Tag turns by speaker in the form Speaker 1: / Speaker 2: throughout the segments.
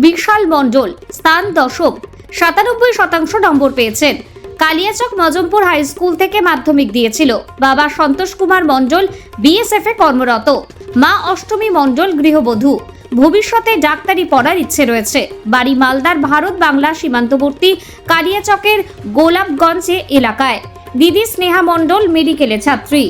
Speaker 1: বিশাল মণ্ডল স্থান দশম, 97% নম্বর পেয়েছেন। কালিয়াচক মজমপুর হাই স্কুল থেকে মাধ্যমিক দিয়েছিল। বাবা সন্তোষ কুমার মণ্ডল বিএসএফ এ কর্মরত, মা অষ্টমী মণ্ডল গৃহবধূ। ভবিষ্যতে ডাক্তারি পড়ার ইচ্ছে রয়েছে। বাড়ি মালদার ভারত বাংলা সীমান্তবর্তী কালিয়াচকের গোলাপগঞ্জ এলাকায়। দিদি স্নেহা মণ্ডল মেডিকেলের ছাত্রী।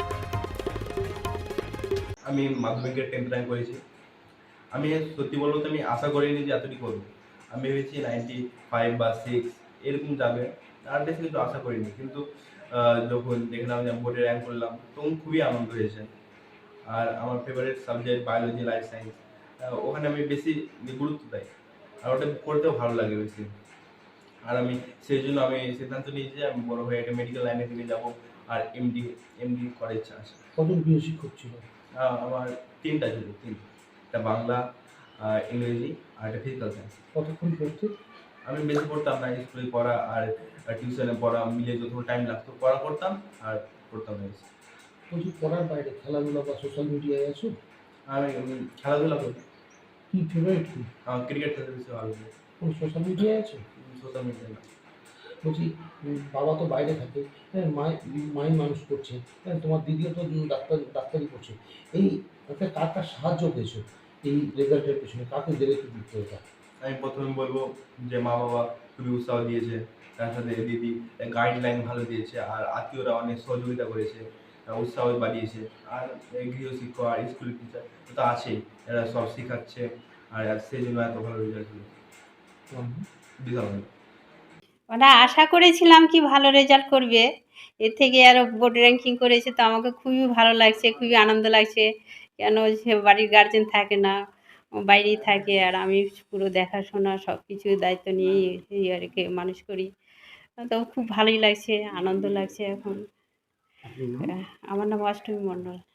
Speaker 2: আমি মাধ্যমিকের 10th র্যাঙ্ক করেছি। আমি সত্যি বলবো তো আমি আশা করিনি যে এতটি করবো। আমি ভেবেছি 95 বা 6 এরকম যাবে, আর বেশি কিছু আশা করিনি। কিন্তু যখন দেখলাম যে আমি বোর্ডে র্যাঙ্ক করলাম তখন খুবই আনন্দ হয়েছে। আর আমার favourite subject biology, life science, ওখানে আমি বেশি গুরুত্ব দেই, আর ওটা পড়তেও ভালো লাগে বেশি। আর আমি সেই জন্য আমি সিদ্ধান্ত নিয়েছি যে আমি বড় হয়ে একটা মেডিকেল লাইনের দিকে যাবো, আর এমডি করার ইচ্ছা আছে।
Speaker 3: কজন প্রিয় শিক্ষক ছিল?
Speaker 2: আমার 3টা ছিল, 3। একটা বাংলা, ইংরেজি আর একটা ফিজিক্যাল সায়েন্স।
Speaker 3: কতক্ষণ পড়তে?
Speaker 2: আমি বেশি পড়তাম না, স্কুলে পড়া আর টিউশনে পড়া মিলে যতক্ষণ টাইম লাগতো পড়া করতাম আর পড়তাম না বেশি।
Speaker 3: বলছি পড়ার বাইরে খেলাধুলা বা সোশ্যাল মিডিয়ায় আছো?
Speaker 2: আমি খেলাধুলা করি।
Speaker 3: কি ফেভারিট কি?
Speaker 2: আমার ক্রিকেট খেলতে বেশি ভালো লাগে।
Speaker 3: কোন সোশ্যাল মিডিয়ায় আছো?
Speaker 2: সোশ্যাল মিডিয়া না।
Speaker 3: বলছি বাবা তো বাইরে থাকে, হ্যাঁ, মাই মানুষ করছে, হ্যাঁ, তোমার দিদিও তো ডাক্তারি করছে। এই কার কার সাহায্য পেয়েছো এই রেজাল্টের পেছনে? কাকে দিলে কি দিতে এটা?
Speaker 2: আমি প্রথমে বলবো যে মা বাবা খুবই উৎসাহ দিয়েছে, তার সাথে দিদি গাইডলাইন ভালো দিয়েছে, আর আত্মীয়রা অনেক সহযোগিতা করেছে, উৎসাহ বাড়িয়েছে। আর গৃহশিক্ষক আর স্কুল টিচার তো আছেই, এরা সব শেখাচ্ছে, আর সেই জন্য এত ভালো রেজাল্ট হলো। বিশাল ভালো।
Speaker 4: ওরা আশা করেছিলাম কি ভালো রেজাল্ট করবে, এর থেকে আরও বোর্ড র্যাঙ্কিং করেছে, তো আমাকে খুবই ভালো লাগছে, খুবই আনন্দ লাগছে। কেন সে বাড়ির গার্জেন থাকে না, বাইরেই থাকে, আর আমি পুরো দেখাশোনা সব কিছু দায়িত্ব নিয়েই আর কি মানুষ করি। তো খুব ভালোই লাগছে, আনন্দ লাগছে এখন। আমার নাম অষ্টমী মণ্ডল।